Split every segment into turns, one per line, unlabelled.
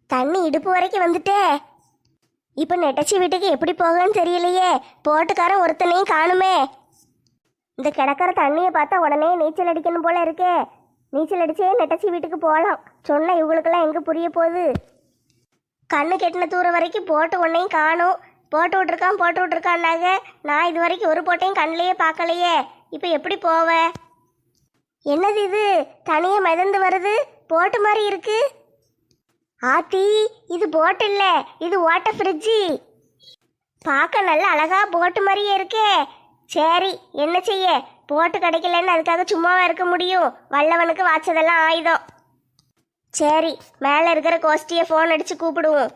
தண்ணி இடுப்பு வரைக்கும் வந்துட்டே. இப்போ நெட்டச்சி வீட்டுக்கு எப்படி போகன்னு தெரியலையே. போட்டுக்காரன் ஒருத்தனையும் காணுமே. இந்த கிடக்கிற தண்ணியை பார்த்தா உடனே நீச்சல் அடிக்கணும் போல இருக்கே. நீச்சல் அடிச்சே நெட்டச்சி வீட்டுக்கு போகலாம். சொன்ன இவங்களுக்கெல்லாம் எங்கே புரிய போகுது? கண்ணு கெட்டின தூரம் வரைக்கும் போட்டு ஒன்னையும் காணும். போட்டு விட்ருக்கான்னாங்க. நான் இது வரைக்கும் ஒரு போட்டையும் கண்ணிலேயே பார்க்கலையே. இப்போ எப்படி போவேன்? என்னது இது? தனியாக மிதந்து வருது, போட்டு மாதிரி இருக்கு. ஆத்தி, இது போட்டு இல்லை, இது வாட்டர் ஃப்ரிட்ஜி. பார்க்க நல்ல அழகா போட்டு மாதிரியே இருக்கே. சரி, என்ன செய்ய? போட்டு கிடைக்கலன்னு அதுக்காக சும்மாவா இருக்க முடியும்? வல்லவனுக்கு வாச்சதெல்லாம் ஆயுதம். சரி, மேலே இருக்கிற கோஷ்டியை ஃபோன் அடிச்சு கூப்பிடுவோம்.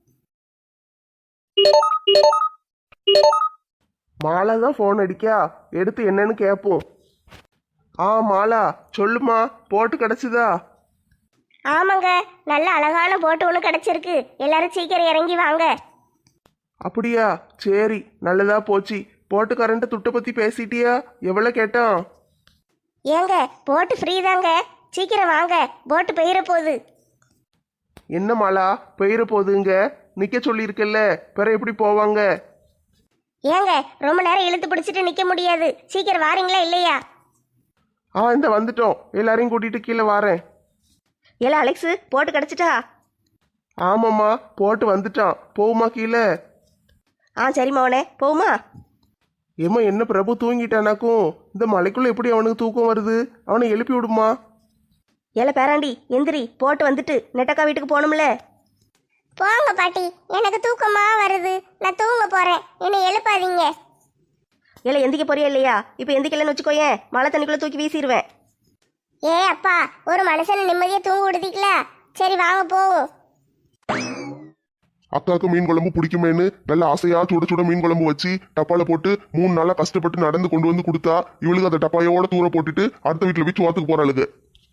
மாலா தான் ஃபோன் அடிக்கா, எடுத்து என்னன்னு கேட்போம். மாலா சொல்லுமா, போட்டு கிடச்சிதா?
ஆமாங்க, நல்ல அழகான போட்டு ஒன்று கிடச்சிருக்கு. எல்லாரும் சீக்கிரம் இறங்கி வாங்க.
அப்படியா? சரி, நல்லதா போச்சு. போட்டு கரண்ட்டு துட்டை பற்றி பேசிட்டியா? எவ்வளோ கேட்டான்?
ஏங்க, போட்டு ஃப்ரீ தாங்க. சீக்கிரம் வாங்க, போட்டு பெயர போகுது.
என்ன மாலா, பெயர போகுதுங்க? நிற்க சொல்லியிருக்கல்ல, பிற எப்படி போவாங்க?
ஏங்க, ரொம்ப நேரம் இழுத்து பிடிச்சிட்டு நிற்க முடியாது. சீக்கிரம் வாரீங்களா இல்லையா?
இந்த வந்துட்டோம். எல்லாரையும் கூட்டிட்டு கீழே வாரேன்.
ஏல அலெக்ஸு, போட்டு கிடச்சிட்டா?
ஆமாம்மா, போட்டு வந்துட்டான். போகுமா கீழே?
சரி மவனே, போகுமா?
ஏம்மா, என்ன பிரபு தூங்கிட்டானாக்கும்? இந்த மலைக்குள்ள எப்படி அவனுக்கு தூக்கம் வருது? அவனை எழுப்பி விடுமா.
ஏல பேராண்டி, எந்திரி, போட்டு வந்துட்டு நெட்டக்கா வீட்டுக்கு போகணும்ல.
போங்க பாட்டி, எனக்கு தூக்கமா வருது. நான் தூங்க போறேன், என்னை எழுப்பாதீங்க.
ஏல எந்திக்க போறியா இல்லையா? இப்போ எந்திக்கலன்னு வச்சுக்கோயேன், மழை தண்ணிக்குள்ளே தூக்கி வீசிடுவேன்.
ஏ அப்பா, ஒரு மனுஷனை நிம்மதியா தூங்க விடுதீங்களா? சரி வாங்க போவோம்.
அக்காவுக்கு மீன் குழம்பு பிடிக்குமேன்னு நல்ல ஆசையா சுட சுட மீன் குழம்பு வச்சு டப்பால போட்டு 3 நாளா கஷ்டப்பட்டு நடந்து கொண்டு வந்து கொடுத்தா, இவளுக்கு அந்த டப்பாயோட தூர போட்டுட்டு அடுத்த வீட்டுல போய் சோத்துக்கு போறாளுங்க.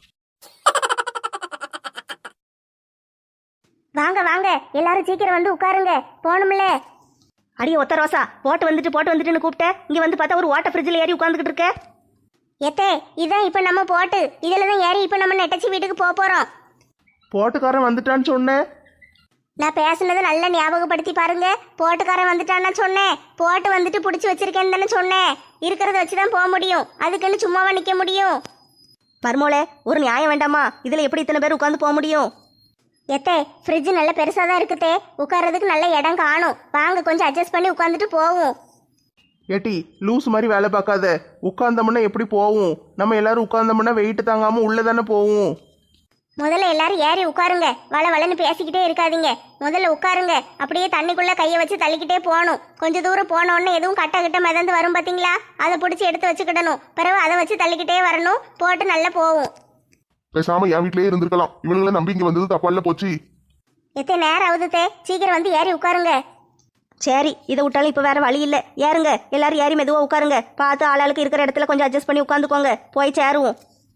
வாங்க வாங்க, எல்லாரும் சீக்கிரம் வந்து உட்காருங்க, போகணும்ல.
அடியே ஒத்த ரோசா, போட்டு வந்துட்டுன்னு கூப்பிட்டேன். இங்கே வந்து பார்த்தா ஒரு வாட்டர் ஃப்ரிட்ஜில் ஏறி உட்காந்துக்கிட்டு இருக்க.
எத்தே, இதான் இப்போ நம்ம போட்டு இதில் தான் ஏறி இப்போ நம்ம நெட்டச்சி வீட்டுக்கு போக போகிறோம்.
போட்டுக்காரன் வந்துட்டான்னு சொன்னேன்.
நான் பேசுனதை நல்லா ஞாபகப்படுத்தி பாருங்க. போட்டுக்காரன் வந்துட்டான்னு சொன்னேன். போட்டு வந்துட்டு பிடிச்சி வச்சிருக்கேன்னு தானே சொன்னேன். இருக்கிறத வச்சு தான் போக முடியும், அதுக்குன்னு சும்மாவா நிற்க முடியும்?
மர்மோளே, ஒரு நியாயம் வேண்டாமா? இதில் எப்படி இத்தனை பேர் உட்காந்து போக முடியும்?
எத்தே, ஃப்ரிட்ஜ் நல்ல பெருசாக தான் இருக்குதே, உட்கார்றதுக்கு நல்ல இடம் காணும். வாங்க, கொஞ்சம் அட்ஜஸ்ட் பண்ணி உட்காந்துட்டு போவோம்.
ஏட்டி, லூஸ் மாதிரி வேலை பார்க்காத. உட்கார்ந்தோம்னா எப்படி போவோம்? நம்ம எல்லாரும் உட்கார்ந்தோம்னா வெயிட் தாங்காம உள்ள தானே போவோம்.
முதல்ல எல்லாரும் ஏறி உட்காருங்க. வளன்னு பேசிக்கிட்டே இருக்காதீங்க. முதல்ல உட்காருங்க. அப்படியே தண்ணிக்குள்ள கையை வச்சு தள்ளிக்கிட்டே போகணும். கொஞ்சம் தூரம் போன உடனே எதுவும் கட்ட மிதந்து வரும் பார்த்தீங்களா? அதை பிடிச்சி எடுத்து வச்சுக்கிடணும். பிறகு அதை வச்சு தள்ளிக்கிட்டே வரணும். போட்டு நல்லா போகும்.
பேசாம என் வீட்லயே இருந்திருக்கலாம். இவனுங்களை நம்பி இங்க வந்தது தப்பால போச்சு.
எத்தனை நேரம் ஆகுதுத்தே, சீக்கிரம் வந்து ஏறி உட்காருங்க.
சரி, இதை விட்டாலும் இப்போ வேற வழி இல்லை. ஏறுங்க, எல்லாரும் ஏறி மெதுவாக உட்காருங்க. பார்த்து ஆளாளுக்கு இருக்கிற இடத்துல கொஞ்சம் அட்ஜஸ்ட் பண்ணி உட்காந்துக்கோங்க. போய் சேருவோம்.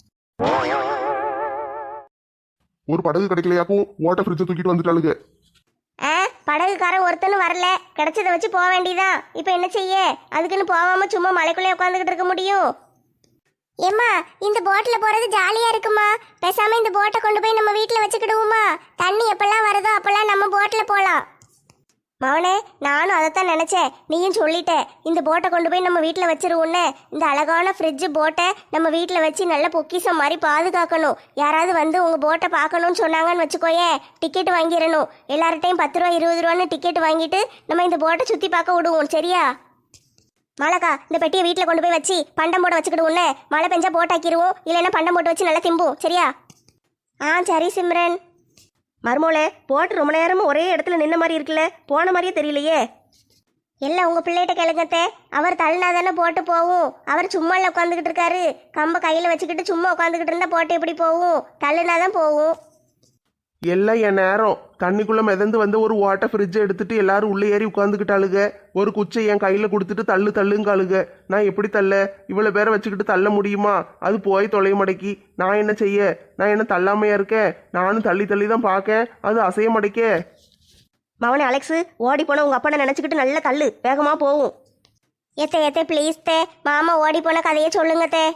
ஒரு படகு கிடைக்கலையாக்கும் வாட்டர் ஃப்ரிட்ஜை தூக்கிட்டு வந்துட்டாளுங்க.
படகுக்காரன் ஒருத்தனும் வரல. கிடைச்சதை வச்சு போக வேண்டியதான். இப்போ என்ன செய்ய? அதுக்குன்னு போகாம சும்மா மலைக்குள்ளே உட்காந்துக்கிட்டு இருக்க முடியும்? ஏம்மா, இந்த போட்டில் போகிறது ஜாலியாக இருக்குமா? பேசாமல் இந்த போட்டை கொண்டு போய் நம்ம வீட்டில் வச்சுக்கிடுவோமா? தண்ணி எப்பெல்லாம் வருதோ அப்பெல்லாம் நம்ம போட்டில் போகலாம். மவனே, நானும் அதைத்தான் நினச்சேன். நீயும் சொல்லிட்ட. இந்த போட்டை கொண்டு போய் நம்ம வீட்டில் வச்சிருவோன்னு. இந்த அழகான ஃப்ரிட்ஜு போட்டை நம்ம வீட்டில் வச்சு நல்ல பொக்கிஷம் மாதிரி பாதுகாக்கணும். யாராவது வந்து உங்கள் போட்டை பார்க்கணும்னு சொன்னாங்கன்னு வச்சுக்கோயேன், டிக்கெட் வாங்கிடணும். எல்லார்ட்டையும் 10 ரூபா 20 ரூபான்னு டிக்கெட் வாங்கிட்டு நம்ம இந்த போட்டை சுற்றி பார்க்க விடுவோம். சரியா? மாலக்கா, இந்த பெட்டியை வீட்டில் கொண்டு போய் வச்சு பண்டம் போட வச்சுக்கிடுவோன்னு. மழை பெஞ்சா போட்டாக்கிடுவோம், இல்லைன்னா பண்டம் போட்டு வச்சு நல்லா திம்போம். சரியா? சரி சிம்ரன்.
மர்மோளே, போட்டு ரொம்ப நேரமும் ஒரே இடத்துல நின்ன மாதிரி இருக்குல்ல, போன மாதிரியே தெரியலையே.
எல்லாம் உங்கள் பிள்ளைகிட்ட கேளுங்கத்தே. அவர் தள்ளினா தானே போட்டு போகும். அவர் சும்மா இல்லை உட்காந்துக்கிட்டு இருக்காரு. கம்பை கையில் வச்சுக்கிட்டு சும்மா உட்காந்துக்கிட்டு இருந்தால் போட்டு எப்படி போகும்? தள்ளுனா தான் போகும்.
எல்லாம் என் நேரம். தண்ணிக்குள்ள மிதந்து வந்து ஒரு வாட்டர் ஃப்ரிட்ஜை எடுத்துட்டு எல்லாரும் உள்ளே ஏறி உட்காந்துக்கிட்டாளுங்க. ஒரு குச்சை என் கையில் கொடுத்துட்டு தள்ளுங்காளுங்க. நான் எப்படி தள்ள? இவ்வளோ பேரை வச்சுக்கிட்டு தள்ள முடியுமா? அது போய் தொலைய மடக்கி. நான் என்ன செய்ய? நான் என்ன தள்ளாமையா இருக்கேன்? நானும் தள்ளி தான் பார்க்கேன், அது அசைய மடைக்கே.
மவனே அலெக்ஸு, ஓடி போன உங்கள் அப்பனை நினச்சிக்கிட்டு நல்லா தள்ளு, வேகமாக போகும்.
எத்தே ப்ளீஸ் தே, மாமா ஓடி போன கதையை சொல்லுங்க தே.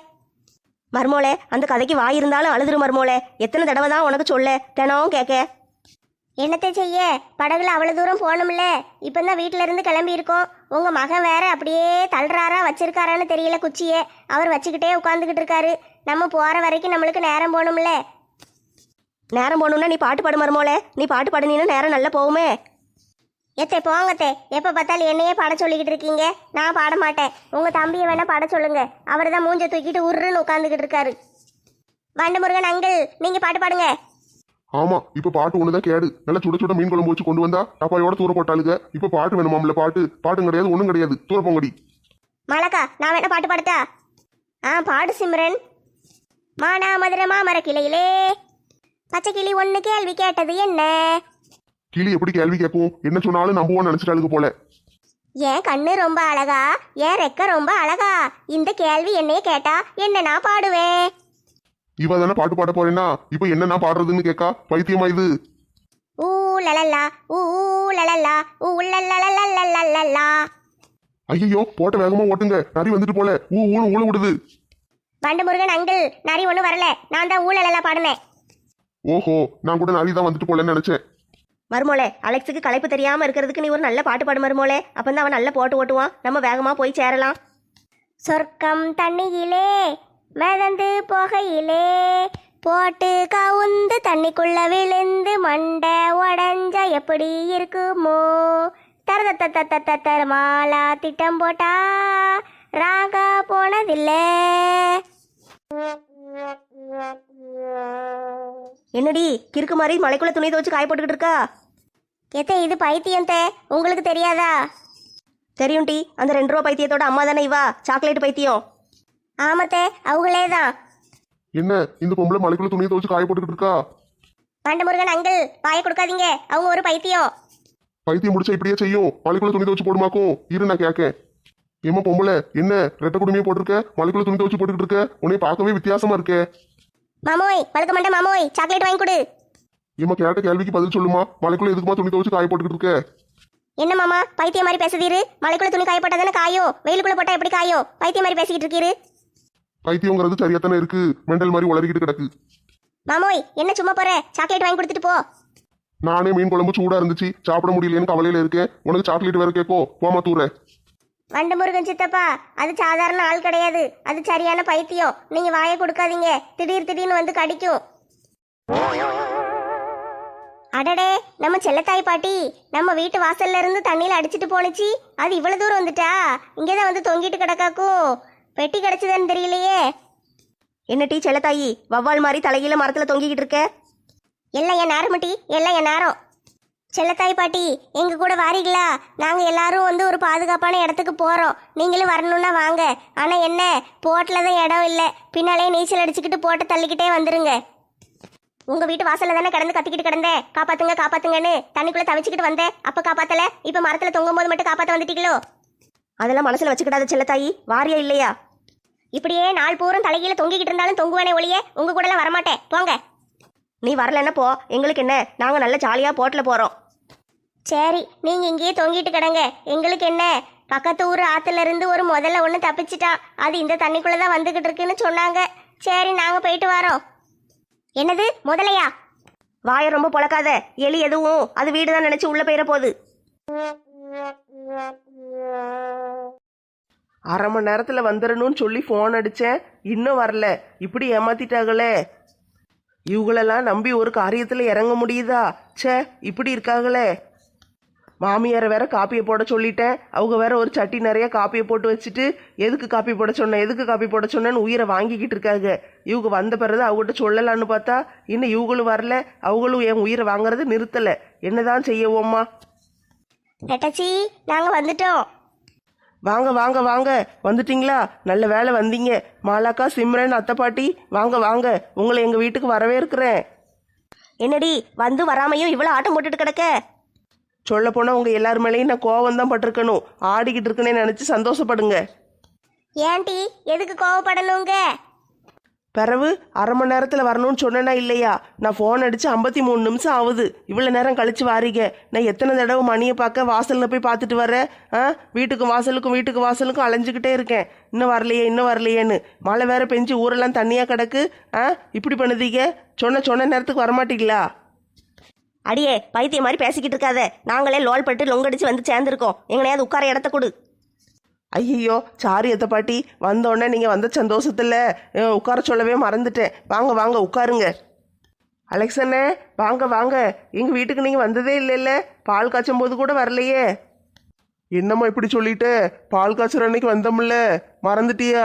மர்மோளே, அந்த கதைக்கு வாய் இருந்தாலும் அழுதுரு மர்மோளே. எத்தனை தடவை தான் உனக்கு சொல்ல, தினம் கேட்க.
என்னத்தை செய்ய, படகுல அவ்வளோ தூரம் போகணும்ல. இப்போ தான் வீட்டில இருந்து கிளம்பி இருக்கோம். உங்கள் மகன் வேற அப்படியே தள்ளுறாரா வச்சிருக்காரான்னு தெரியல குச்சியை. அவர் வச்சுக்கிட்டே உட்காந்துக்கிட்டு இருக்காரு. நம்ம போகிற வரைக்கும் நம்மளுக்கு நேரம் போகணும்ல.
நேரம் போகணுன்னா நீ பாட்டு பாடு மருமோளே. நீ பாட்டு பாடுனீன்னா நேரம் நல்லா போகுமே.
எத்தே போங்கத்தே, எப்போ பார்த்தாலும் என்னையே பாட சொல்லிக்கிட்டு இருக்கீங்க. நான் பாட மாட்டேன். உங்கள் தம்பியை வேணா பாட சொல்லுங்க. அவர் தான் மூஞ்ச தூக்கிட்டு உருன்னு உட்காந்துக்கிட்டு இருக்காரு. வண்டமுருகன் அங்கிள், நீங்கள் பாட்டு பாடுங்க.
ஆமா, இப்ப பாட்டு ஒண்ணுதான் கேடு. நல்லா சுட சுட மீன் குழம்பு வச்சு கொண்டு வந்தா டப்பாயோட தூர போட்டாளுங்க. இப்ப பாட்டு வேணுமாம்ல? பாட்டும் கிடையாது, ஒண்ணும் கிடையாது. தூர போங்கடி.
மலக்கா, நான் வேணா பாட்டு பாடுத்தா? பாடு சிம்ரன். மானா மதுரை மாமர கிளையிலே பச்சை கிளி ஒன்று கேள்வி கேட்டது என்ன?
கிளி எப்படி கேள்வி கேட்கும்? என்ன சொன்னாலும் நம்புவோன்னு நினைச்சிட்டாளுங்க போல.
என் கண்ணு ரொம்ப அழகா, என் ரெக்க ரொம்ப அழகா, இந்த கேள்வி என்னைய கேட்டா என்ன நான் பாடுவேன்?
இவ தானே பாட்டு பாட போறேன்னா இப்ப என்ன நான் பாடுறதுன்னு கேட்கா. பைத்தியமா இது?
ஊ லலல்லா ஊ லலல்லா ஊ லலலலலலலலா.
ஐயோ, போட்ட வேகமா ஓட்டுங்க, நரி வந்துட்டு போல. ஊழ விடுது.
வண்டமுருகன் அங்கிள், நரி ஒன்றும் வரல. நான் தான் ஊழலெல்லாம் பாடினேன்.
ஓஹோ, நான் கூட நரி தான் வந்துட்டு போலன்னு நினைச்சேன்.
மருமோளே, அலெக்ஸுக்கு களைப்பு தெரியாம இருக்கிறதுக்கு நீ ஒரு நல்ல பாட்டு பாடு மருமோளே. அப்பந்தான் அவன் நல்ல போட்டு ஓட்டுவான். நம்ம வேகமா போய் சேரலாம்.
சொர்க்கம் தண்ணியிலே மிதந்து போகையிலே போட்டு கவுந்து தண்ணிக்குள்ள விழுந்து மண்டை உடஞ்ச எப்படி இருக்குமோ? தர மாலா திட்டம் போட்டா ராகா போனதில்லை.
என்னடி கிறுக்கு மாதிரி மலைக்குள்ள துணி துவச்சு காய போட்டுக்கிட்டு இருக்கா?
எத்தே, இது பைத்தியம் தே, உங்களுக்கு தெரியாதா?
தெரியும் டி, அந்த 2 ரூபா பைத்தியத்தோட அம்மா தானே இவா, சாக்லேட் பைத்தியம்.
ஆமத்தே, அவங்களே தான்.
என்ன இந்த பொம்பளை மலைக்குள்ள துணியை துவச்சு காய போட்டுக்கிட்டு இருக்கா?
வண்டமுருகன் அங்கிள், பாய கொடுக்காதீங்க. அவங்க ஒரு பைத்தியம்.
பைத்தியம் முடிச்சா இப்படியே செய்யும். மலைக்குள்ள துணி துவச்சு போடுமாக்கும். இரு நான் கேட்கேன். ஏமா பொம்பளை, என்ன ரெட்டை குடுமையை போட்டிருக்க? மலைக்குள்ள துணி துவச்சு போட்டுக்கிட்டு இருக்க? உன்னை பார்க்கவே வித்தியாசமா இருக்கே.
மாமோய், பழுக்க மாட்டேன் மாமோய், சாக்லேட் வாங்கி கொடு.
ஏமா கேட்ட கேள்விக்கு பதில் சொல்லுமா. மலைக்குள்ள எதுக்குமா துணி துவச்சு காய போட்டுக்கிட்டு இருக்க?
என்ன மாமா பைத்தியம் மாதிரி பேசுதீரு? மலைக்குள்ள துணி காய போட்டா தானே காயும், வெயிலுக்குள்ள போட்டா எப்படி காயும்? பைத்தியம் மாதிரி பேசிக்கிட்டு இருக்கீரு.
பைத்தியங்கிறது சரியாத்தானே இருக்கு, மெண்டல் மாதிரி உளறிக்கிட்டு கிடக்கு.
மாமோய், என்ன சும்மா போற? சாக்லேட் வாங்கி கொடுத்துட்டு போ.
நானே மீன் குழம்பு சூடா இருந்துச்சு, சாப்பிட முடியலையேன்னு கவலையில இருக்கேன். உனக்கு சாக்லேட் வேற கேட்கோ? போமா தூர.
வண்டமுருகன் சித்தப்பா, அது சாதாரண ஆள் கிடையாது, அது சரியான பைத்தியம். நீங்க வாயை கொடுக்காதீங்க, திடீர்னு வந்து கடிக்கும். அடடே, நம்ம செல்லத்தாய் பாட்டி நம்ம வீட்டு வாசல்ல இருந்து தண்ணியில அடிச்சிட்டு போனுச்சு. அது இவ்வளவு தூரம் வந்துட்டா? இங்கேதான் வந்து தொங்கிட்டு கிடக்காக்கும். பெட்டி கிடைச்சதுன்னு தெரியலையே.
என்ன டீ செல்லத்தாயி, வவ்வால் மாதிரி தலையில மரத்துல தொங்கிக்கிட்டு இருக்க?
எல்லாம் என் நேரம் டீ, எல்லாம் என் நேரம். செல்லத்தாய் பாட்டி, எங்க கூட வாரீங்களா? நாங்க எல்லாரும் வந்து ஒரு பாதுகாப்பான இடத்துக்கு போறோம். நீங்களும் வரணும்னா வாங்க. ஆனா என்ன, போட்டில் தான் இடம் இல்லை. பின்னாலே நீச்சல் அடிச்சுக்கிட்டு போட்டு தள்ளிக்கிட்டே வந்துருங்க. உங்க வீட்டு வாசல்ல தானே கிடந்து கத்திக்கிட்டு கிடந்தேன், காப்பாத்துங்க காப்பாத்துங்கன்னு. தண்ணிக்குள்ள தவிச்சுக்கிட்டு வந்தேன், அப்ப காப்பாத்தல. இப்ப மரத்துல தொங்கும் போது மட்டும் காப்பாத்த வந்துட்டீங்களோ?
அதெல்லாம் மனசுல வச்சுக்கிடாத செல்லத்தாயி, வாரியா இல்லையா?
இப்படியே நாள் பூரம் தலைகீழ தொங்கிக்கிட்டு இருந்தாலும் தொங்குவானே ஒளியே, உங்க கூட எல்லாம் வரமாட்டேன், போங்க.
நீ வரலன்னா போ, எங்களுக்கு என்ன, நாங்க நல்ல ஜாலியா போட்ல போறோம்.
சரி, நீங்க இங்கேயே தொங்கிட்டு கிடங்க. எங்களுக்கு என்ன, பக்கத்து ஊர் ஆத்துல இருந்து ஒரு முதல்ல ஒண்ணு தப்பிச்சிட்டான். அது இந்த தண்ணிக்குள்ளதான் வந்துகிட்டு இருக்குன்னு சொன்னாங்க. சரி, நாங்க போயிட்டு வரோம். என்னது முதலையா?
வாயை ரொம்ப பொழக்காத. எலி எதுவும் அது வீடுதான் நினைச்சு உள்ள போயிட போகுது.
அரை மணி நேரத்தில் வந்துடணும்னு சொல்லி ஃபோன் அடித்தேன், இன்னும் வரல. இப்படி ஏமாத்திட்டாங்களே. இவங்களெல்லாம் நம்பி ஒரு காரியத்தில் இறங்க முடியுதா? ச்சே, இப்படி இருக்காங்களே. மாமியாரை வேற காப்பியை போட சொல்லிட்டேன். அவங்க வேற ஒரு சட்டி நிறைய காப்பியை போட்டு வச்சுட்டு எதுக்கு காப்பி போட சொன்னேன்னு உயிரை வாங்கிக்கிட்டு இருக்காங்க. இவங்க வந்த பிறகு அவங்ககிட்ட சொல்லலான்னு பார்த்தா இன்னும் இவங்களும் வரல, அவங்களும் என் உயிரை வாங்குறது நிறுத்தலை. என்னதான் செய்யவோம்மா?
நெட்டச்சி, நாங்க வந்துட்டோம்.
வாங்க வாங்க வாங்க, வந்துட்டீங்களா? நல்ல வேலை வந்தீங்க. மாலாக்கா, சிம்ரன், அத்தை பாட்டி, வாங்க வாங்க, உங்களை எங்கள் வீட்டுக்கு வரவே இருக்கிறேன்.
என்னடி வந்து வராமையும் இவ்வளவு ஆட்டம் போட்டுட்டு கிடக்க?
சொல்ல போனால் உங்கள் எல்லார் மேலேயும் நான் கோவம் தான் பட்டிருக்கணும். ஆடிக்கிட்டு இருக்குன்னே நினச்சி சந்தோஷப்படுங்க.
ஏன்டி எதுக்கு கோவப்படணுங்க?
பிறகு அரை மணி நேரத்தில் வரணும்னு சொன்னேன்னா இல்லையா? நான் ஃபோன் அடித்து 53 நிமிஷம் ஆகுது. இவ்வளோ நேரம் கழித்து வாரீங்க. நான் எத்தனை தடவை மணியை பார்க்க வாசலில் போய் பார்த்துட்டு வரேன். வீட்டுக்கு வாசலுக்கும் அலைஞ்சிக்கிட்டே இருக்கேன். இன்னும் வரலையேன்னு. மழை வேற பெஞ்சு ஊரெல்லாம் தண்ணியாக கிடக்கு. இப்படி பண்ணுதீங்க. சொன்ன நேரத்துக்கு வரமாட்டீங்களா?
அடியே பைத்திய மாதிரி பேசிக்கிட்டு இருக்காத. நாங்களே லோல் பட்டு லொங்கடிச்சு வந்து சேர்ந்துருக்கோம். எங்கனையாவது உட்கார இடத்த கொடு.
ஐயோ சாரி எத்த பாட்டி, வந்தோடனே நீங்கள் வந்த சந்தோஷத்தில் உட்கார சொல்லவே மறந்துட்டேன். வாங்க வாங்க உட்காருங்க. அலெக்ஸ் அண்ணே வாங்க வாங்க. எங்கள் வீட்டுக்கு நீங்கள் வந்ததே இல்லைல்ல, பால் காய்ச்சும் போது கூட வரலையே. என்னம்மா இப்படி சொல்லிட்டு, பால் காய்ச்சுற அன்னைக்கு வந்தோம்ல, மறந்துட்டியா?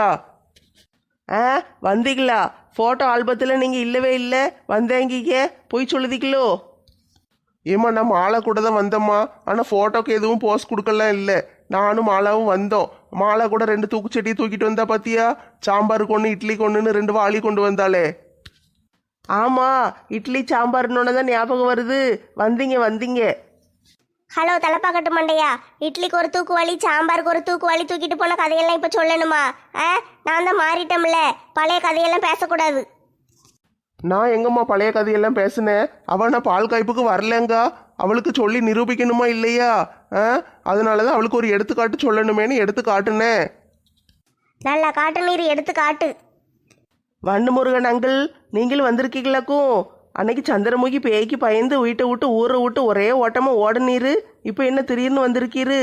ஆ வந்தீங்களா? ஃபோட்டோ ஆல்பத்தில் நீங்கள் இல்லவே இல்லை, வந்தேங்கிக்க போய் சொல்லுதீங்களோ? ஏம்மா நான் மாலை கூட தான் வந்தேம்மா, ஆனால் ஃபோட்டோக்கு எதுவும் போஸ்ட் கொடுக்கலாம் இல்லை. நானும் மாலாவும் வந்தோம். மாலை கூட 2 தூக்குச்செடியை தூக்கிட்டு வந்தா பார்த்தியா? சாம்பாருக்கு ஒன்று இட்லிக்கு ஒன்றுன்னு 2 வாளி கொண்டு வந்தாளே. ஆமாம், இட்லி சாம்பார்னோட தான் ஞாபகம் வருது. வந்தீங்க வந்தீங்க.
ஹலோ தலைப்பாக்கட்டு மண்டையா, இட்லிக்கு ஒரு தூக்குவாளி சாம்பாருக்கு ஒரு தூக்குவாளி தூக்கிட்டு போன கதையெல்லாம் இப்போ சொல்லணுமா? நான் தான் மாறிட்டோம்ல, பழைய கதையெல்லாம் பேசக்கூடாது.
நான் எங்கம்மா பழைய கதையெல்லாம் பேசினேன்? அவள் நான் பால் காய்ப்புக்கு வரலங்கா, அவளுக்கு சொல்லி நிரூபிக்கணுமா இல்லையா? அதனால தான் அவளுக்கு ஒரு எடுத்துக்காட்டு சொல்லணுமேனு எடுத்து காட்டுனேன்.
நல்லா காட்டு நீர் எடுத்து காட்டு.
வண்டு முருகன் அங்கிள், நீங்களும் வந்திருக்கீங்களாக்கும்? அன்னைக்கு சந்திரமுகி பேய்க்கு பயந்து வீட்டை விட்டு ஊரை விட்டு ஒரே ஓட்டமாக ஓடனீரு, இப்போ என்ன திடீர்னு வந்திருக்கீரு?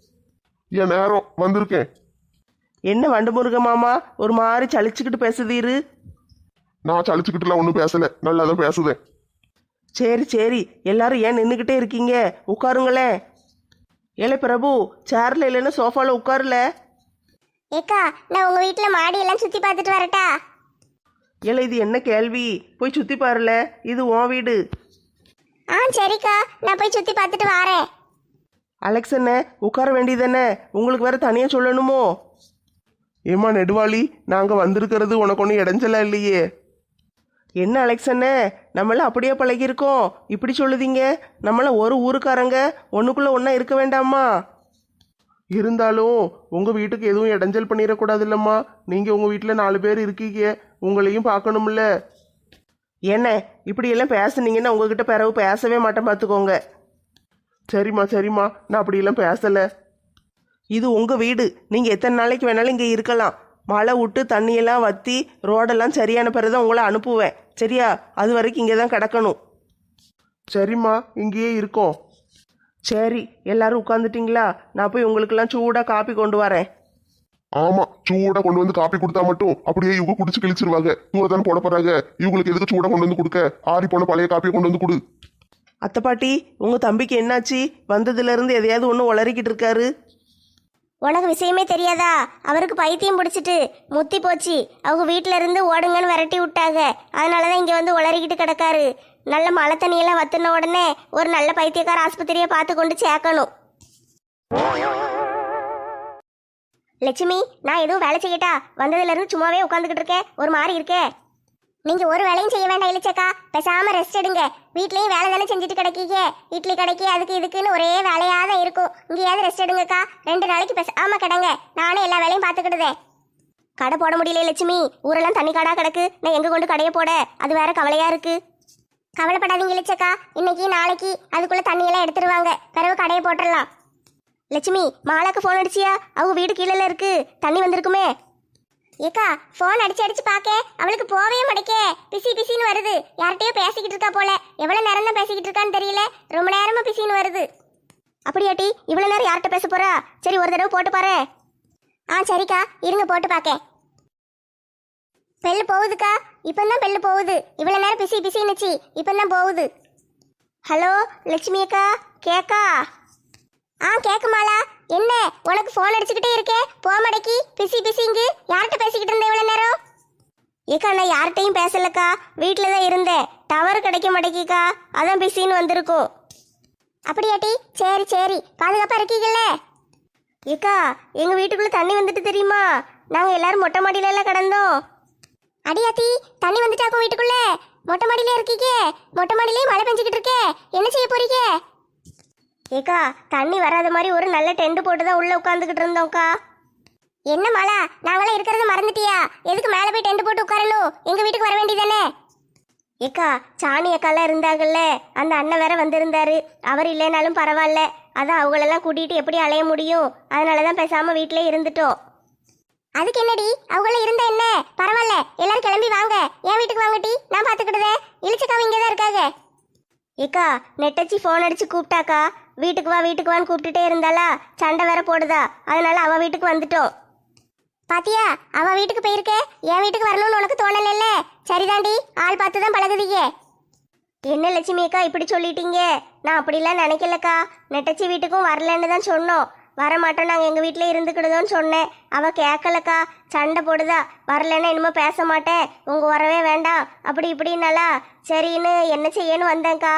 என் நேரம் வந்திருக்கேன்.
என்ன வண்டு முருக மாமா ஒரு மாதிரி சலிச்சுக்கிட்டு பேசுதீரு?
நான் சலிச்சுக்கிட்டுலாம் ஒன்றும் பேசல, நல்லா தான் பேசுதேன்.
சரி சரி, எல்லாரும் ஏன் நின்றுக்கிட்டே இருக்கீங்க? உட்காருங்களேன். ஏலே பிரபு, சேர்ல இல்லைன்னா சோஃபாவில் உட்காருல.
ஏக்கா நான் உங்கள் வீட்டில் மாடியெல்லாம் சுற்றி பார்த்துட்டு வரட்டா?
ஏலே இது என்ன கேள்வி? போய் சுற்றி பாருல, இது உன் வீடு.
சரிக்கா, நான் போய் சுற்றி பார்த்துட்டு வரேன்.
அலெக்ஸ் என்ன உட்கார வேண்டியதானே, உங்களுக்கு வேற தனியாக சொல்லணுமோ? ஏம்மா நெடுவாளி, நாங்கள் வந்திருக்கிறது உனக்கு ஒன்றும் இடைஞ்சலா இல்லையே? என்ன அலெக்ஸ் அண்ணே, நம்மளாம் அப்படியே பழகியிருக்கோம், இப்படி சொல்லுதீங்க? நம்மளாம் ஒரு ஊருக்காரங்க, ஒன்றுக்குள்ளே ஒன்றா இருக்க வேண்டாமா? இருந்தாலும் உங்கள் வீட்டுக்கு எதுவும் இடைஞ்சல் பண்ணிடக்கூடாது இல்லைம்மா? நீங்கள் உங்கள் வீட்டில் 4 பேர் இருக்கீங்க, உங்களையும் பார்க்கணும்ல. என்ன இப்படியெல்லாம் பேசுனீங்கன்னா உங்ககிட்ட பிறகு பேசவே மாட்டேன் பார்த்துக்கோங்க. சரிம்மா சரிம்மா, நான் அப்படியெல்லாம் பேசலை. இது உங்கள் வீடு, நீங்கள் எத்தனை நாளைக்கு வேணாலும் இங்கே இருக்கலாம். மழை விட்டு தண்ணியெல்லாம் வற்றி ரோடெல்லாம் சரியான பிறகு தான் உங்களை அனுப்புவேன், சரியா? அது வரைக்கும் இங்கே தான் கிடக்கணும். சரிம்மா, இங்கேயே இருக்கோம். சரி, எல்லாரும் உட்காந்துட்டிங்களா? நான் போய் உங்களுக்கெல்லாம் சூடாக காப்பி கொண்டு வரேன்.
ஆமா, சூடா கொண்டு வந்து காப்பி கொடுத்தா மட்டும் அப்படியே இவங்க குடிச்சு கிழிச்சிருவாங்க. தூரத்தானே போட போறாங்க, இவங்களுக்கு எதுக்கு சூடா கொண்டு வந்து கொடுக்க? ஆறி போன பழைய காப்பியை கொண்டு வந்து கொடு.
அத்தை பாட்டி, உங்கள் தம்பிக்கு என்னாச்சு? வந்ததுலேருந்து எதையாவது ஒன்று உளறிக்கிட்டு இருக்காரு.
உனக்கு விஷயமே தெரியாதா? அவருக்கு பைத்தியம் பிடிச்சிட்டு முத்தி போச்சு. அவங்க வீட்டில இருந்து ஓடுங்கன்னு விரட்டி விட்டாங்க. அதனால தான் இங்கே வந்து உளறிக்கிட்டு கிடக்காரு. நல்ல மழை தண்ணியெல்லாம் வத்துன உடனே ஒரு நல்ல பைத்தியக்கார ஆஸ்பத்திரியை பார்த்து கொண்டு சேர்க்கணும். லட்சுமி, நான் எதுவும் வேலை செய்யட்டா? வந்ததுலேருந்து சும்மாவே உட்காந்துக்கிட்டு இருக்கேன், ஒரு மாதிரி இருக்கே. நீங்கள் ஒரு வேலையும் செய்ய வேண்டாம் இளிச்சக்கா, பேசாமல் ரெஸ்ட் எடுங்க. வீட்லேயும் வேலை தானே செஞ்சுட்டு கிடைக்கீங்க. இட்லி கடைக்கு அதுக்கு இதுக்குன்னு ஒரே வேலையாக தான் இருக்கும். இங்கேயாவது ரெஸ்ட் எடுங்கக்கா. 2 நாளைக்கு பேசாமல் கிடங்க, நானே எல்லா வேலையும் பார்த்துக்கிடுதேன். கடை போட முடியல லட்சுமி, ஊரெல்லாம் தண்ணி காடாக கிடக்கு. நான் எங்கே கொண்டு கடையை போட? அது வேற கவலையாக இருக்குது. கவலைப்படாதீங்க இளிச்சக்கா, இன்னைக்கு நாளைக்கு அதுக்குள்ளே தண்ணியெல்லாம் எடுத்துருவாங்க, பிறகு கடையை போட்டுடலாம். லட்சுமி, மாலாக்கு ஃபோன் அடிச்சியா? அவங்க வீடு கீழே இருக்கு, தண்ணி வந்திருக்குமே. ஏக்கா, ஃபோன் அடிச்சு பார்க்க அவளுக்கு போவே மாட்டேக்கே. பிசி பிசின்னு வருது. யார்கிட்டயோ பேசிக்கிட்டு இருக்கா போல. எவ்வளோ நேரம் தான் பேசிக்கிட்டு இருக்கான்னு தெரியல, ரொம்ப நேரமா பிசின்னு வருது. அப்படியாட்டி, இவ்வளோ நேரம் யார்கிட்ட பேச போறா? சரி, ஒரு தடவை போட்டு பாரு. சரிக்கா, இருங்க போட்டு பார்க்க. பெல்லு போகுதுக்கா, இப்போதான் பெல்லு போகுது. இவ்வளோ நேரம் பிசி பிசின்னுச்சு, இப்போதான் போகுது. ஹலோ லட்சுமி அக்கா, கேக்கா? கேக்குமாலா? என்ன உனக்கு ஃபோன் அடிச்சுக்கிட்டே இருக்கே, போக மாட்டேக்கி. பிசி பிசிங்கு யார்கிட்ட பேசிக்கிட்டு இருந்தேன் இவ்வளோ நேரம்? ஏக்கா, நான் யார்கிட்டையும் பேசலக்கா, வீட்டில் தான் இருந்தேன். டவர் கிடைக்க மாட்டேக்கிக்கா, அதான் பிசின்னு வந்திருக்கும். அப்படியாட்டி? சரி சரி, பாதுகாப்பாக இருக்கீங்கல்ல? ஏக்கா, எங்கள் வீட்டுக்குள்ளே தண்ணி வந்துட்டு தெரியுமா? நாங்கள் எல்லாரும் மொட்டை மாடியிலலாம் கிடந்தோம். அடியாத்தி, தண்ணி வந்துட்டாக்கும் வீட்டுக்குள்ளே? மொட்டை மாடியிலே இருக்கீங்க? மொட்டை மாடியிலே மழை பெஞ்சிக்கிட்டு இருக்கே, என்ன செய்ய போறீங்க? ஏக்கா, தண்ணி வராத மாதிரி ஒரு நல்ல டென்ட் போட்டு தான் உள்ளே உட்காந்துக்கிட்டு இருந்தோம்க்கா. என்ன மழை, நாங்களாம் இருக்கிறத மறந்துட்டியா? எதுக்கு மேலே போய் டென்ட் போட்டு உட்காரணும்? எங்கள் வீட்டுக்கு வர வேண்டியதானே? ஏக்கா, சாணி அக்காலாம் இருந்தாங்கல்ல, அந்த அண்ணன் வேற வந்திருந்தாரு. அவர் இல்லைனாலும் பரவாயில்ல, அதான் அவங்களெல்லாம் கூட்டிகிட்டு எப்படி அலைய முடியும்? அதனால தான் பேசாமல் வீட்டிலே இருந்துட்டோம். அதுக்கு என்னடி, அவங்கள இருந்தா என்ன, பரவாயில்ல. எல்லாரும் கிளம்பி வாங்க, என் வீட்டுக்கு வாங்கட்டி, நான் பார்த்துக்கிடுதேன். இளிச்சக்காவும் இங்கே தான் இருக்காங்க. ஏக்கா நெட்டச்சி ஃபோன் அடிச்சு கூப்பிட்டாக்கா. வீட்டுக்கு வா வீட்டுக்கு வான்னு கூப்பிட்டுட்டே இருந்தாளா, சண்டை வேற போடுதா, அதனால அவ வீட்டுக்கு வந்துட்டோம். பாத்தியா, அவ வீட்டுக்கு போயிருக்கே, என் வீட்டுக்கு வரணும்னு உனக்கு தோணல. சரிதாண்டி, ஆள் பார்த்து தான் பழகுதீங்க. என்ன லட்சுமி அக்கா இப்படி சொல்லிட்டீங்க? நான் அப்படிலாம் நினைக்கலக்கா. நெட்டச்சி வீட்டுக்கும் வரலன்னு தான் சொன்னோம். வரமாட்டோம், நாங்கள் எங்கள் வீட்டில் இருந்துக்கிடுதோன்னு சொன்னேன். அவள் கேட்கலக்கா, சண்டை போடுதா. வரலன்னா இனிமேல் பேச மாட்டேன், உங்கள் வரவே வேண்டாம் அப்படி இப்படின்னாலா. சரின்னு என்ன செய்யன்னு வந்தேன்க்கா.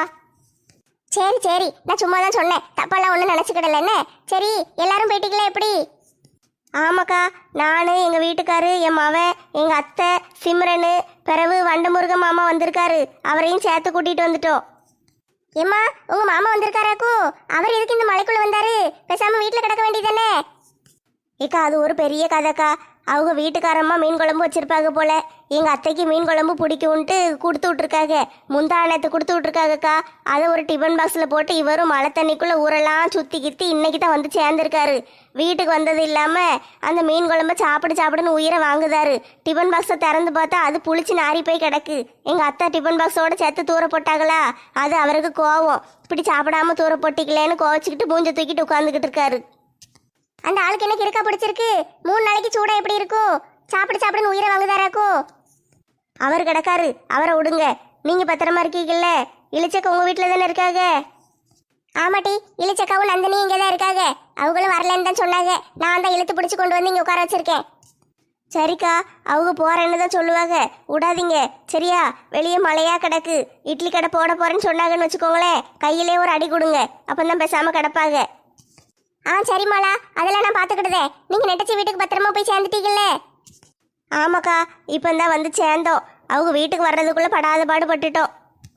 சரி சரி, நான் சும்மா தான் சொன்னேன், தப்பாலாம் ஒன்றும் நினச்சிக்கிடல. என்ன சரி, எல்லாரும் போயிட்டீங்களா எப்படி? ஆமாக்கா, நான் எங்கள் வீட்டுக்காரு, என் மவன், எங்கள் அத்தை சிம்ரனு, பிறகு வண்டமுருக மாமா வந்திருக்காரு, அவரையும் சேர்த்து கூட்டிகிட்டு வந்துட்டோம். ஏம்மா, உங்கள் மாமா வந்திருக்காராக்கும்? அவர் எதுக்கு இந்த மலைக்குள்ளே வந்தாரு? பேசாமல் வீட்டில் கிடக்க வேண்டியதானே? ஏக்கா அது ஒரு பெரிய கதைக்கா. அவங்க வீட்டுக்காரம்மா மீன் குழம்பு வச்சிருப்பாங்க போல. எங்கள் அத்தைக்கு மீன் குழம்பு பிடிக்கும்ன்ட்டு கொடுத்து விட்ருக்காங்க. முந்தானத்தை கொடுத்து விட்ருக்காங்கக்கா. அதை ஒரு டிஃபன் பாக்ஸில் போட்டு இவரும் மழை தண்ணிக்குள்ளே ஊரெல்லாம் சுற்றி கித்தி இன்னைக்கு தான் வந்து சேர்ந்துருக்காரு. வீட்டுக்கு வந்தது இல்லாமல் அந்த மீன் குழம்ப சாப்பிடுன்னு உயிரை வாங்குதாரு. டிஃபன் பாக்ஸை திறந்து பார்த்தா அது புளிச்சு நாரி போய் கிடக்கு. எங்கள் அத்தை டிஃபன் பாக்ஸோட சேர்த்து தூர போட்டாங்களா, அது அவருக்கு கோவம். இப்படி சாப்பிடாம தூர போட்டிக்கலேன்னு கோவச்சிக்கிட்டு மூஞ்ச தூக்கிட்டு உட்காந்துக்கிட்டு இருக்காரு. அந்த ஆளுக்கு என்ன இருக்கா பிடிச்சிருக்கு? 3 நாளைக்கு சூடா எப்படி இருக்கும்? சாப்பிடுன்னு உயிரை வாங்குதாராக்கும். அவர் கிடக்காரு, அவரை விடுங்க. நீங்க பத்திரமா இருக்கீங்கல்ல? இளிச்சக்கா உங்க வீட்டில் தானே இருக்காங்க? ஆமாட்டி, இளிச்சக்காவும் நந்தினியும் இங்கே தான் இருக்காங்க. அவங்களும் வரலன்னு தான் சொன்னாங்க. நான் தான் இழுத்து பிடிச்சி கொண்டு வந்து இங்கே உட்கார வச்சிருக்கேன். சரிக்கா, அவங்க போறேன்னு தான் சொல்லுவாங்க, விடாதீங்க சரியா? வெளியே மழையா கிடக்கு. இட்லி கடை போட போறேன்னு சொன்னாங்கன்னு வச்சுக்கோங்களேன், கையிலே ஒரு அடி கொடுங்க, அப்பந்தான் பேசாம கிடப்பாங்க. சரிம்மாளா, அதெல்லாம் நான் பார்த்துக்கிடுதேன். நீங்கள் நெட்டச்சி வீட்டுக்கு பத்திரமா போய் சேர்ந்துட்டீங்கல்ல? ஆமாக்கா, இப்போ தான் வந்து சேர்ந்தோம். அவங்க வீட்டுக்கு வர்றதுக்குள்ளே படாத பாடுபட்டுட்டோம்.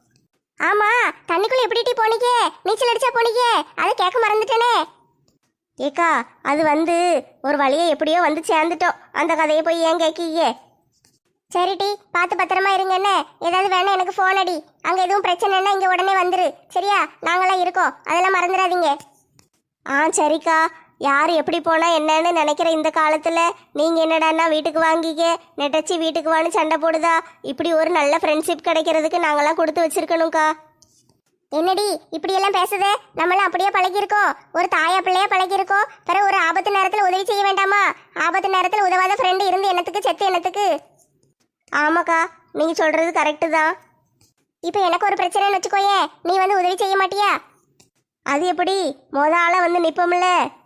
ஆமாம், தண்ணிக்குள்ளே எப்படி போனீங்க? நீச்சல் அடிச்சா போனீங்க? அதை கேட்க மறந்துட்டேனே. ஏக்கா அது வந்து ஒரு வழியை எப்படியோ வந்து சேர்ந்துட்டோம். அந்த கதையை போய் ஏன் கேட்கீங்க? சரிட்டி, பார்த்து பத்திரமா இருங்க. என்ன ஏதாவது வேணா எனக்கு ஃபோன் அடி. அங்கே எதுவும் பிரச்சனைன்னா இங்கே உடனே வந்துரு சரியா? நாங்களாம் இருக்கோம், அதெல்லாம் மறந்துடாதீங்க. சரிக்கா. யார் எப்படி போனால் என்னன்னு நினைக்கிற இந்த காலத்தில் நீங்கள் என்னடான்னா வீட்டுக்கு வாங்கிக்க, நெட்டச்சி வீட்டுக்கு வான்னு சண்டை போடுதா? இப்படி ஒரு நல்ல ஃப்ரெண்ட்ஷிப் கிடைக்கிறதுக்கு நாங்களாம் கொடுத்து வச்சிருக்கணும்க்கா. என்னடி இப்படியெல்லாம் பேசுதே? நம்மளாம் அப்படியே பழகியிருக்கோம், ஒரு தாயா பிள்ளையா பழகியிருக்கோம். பிறகு ஒரு ஆபத்து நேரத்தில் உதவி செய்ய வேண்டாமா? ஆபத்து நேரத்தில் உதவாத ஃப்ரெண்டு இருந்து என்னத்துக்கு, செத்து என்னத்துக்கு? ஆமாக்கா, நீங்கள் சொல்கிறது கரெக்டு தான். இப்போ எனக்கு ஒரு பிரச்சனைன்னு வச்சுக்கோயே, நீ வந்து உதவி செய்ய மாட்டியா? அது எப்படி? ஆளை வந்து நிற்போம்ல.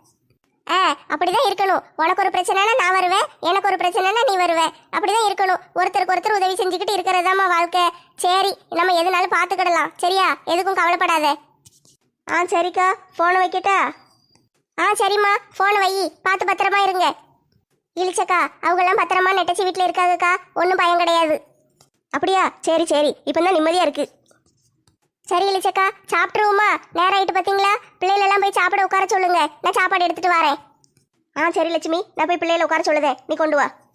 அப்படிதான் இருக்கணும். உனக்கு ஒரு பிரச்சனைனா நான் வருவேன், எனக்கு ஒரு பிரச்சனைனா நீ வருவேன். அப்படிதான் இருக்கணும். ஒருத்தருக்கு ஒருத்தர் உதவி செஞ்சுக்கிட்டு இருக்கிறதாம்மா வாழ்க்கை. சரி, நம்ம எதுனாலும் பார்த்துக்கிடலாம் சரியா? எதுக்கும் கவலைப்படாத. சரிக்கா, ஃபோனை வைக்கட்டா? சரிம்மா, ஃபோனை வை, பார்த்து பத்திரமா இருங்க. இழிச்சக்கா அவங்கெல்லாம் பத்திரமா நெட்டச்சி வீட்டில் இருக்காங்கக்கா, ஒன்றும் பயம் கிடையாது. அப்படியா? சரி சரி, இப்போ தான் நிம்மதியாக இருக்கு. சரி இளிச்சக்கா, சாப்பிட்ருவோமா? நேரம் ஆகிட்டு பார்த்தீங்களா? பிள்ளைகளெல்லாம் போய் சாப்பிட உட்கார சொல்லுங்க, நான் சாப்பாடு எடுத்துகிட்டு வரேன். சரி லட்சுமி, நான் போய் பிள்ளைகளை உட்கார சொல்லுதேன், நீ கொண்டு வா.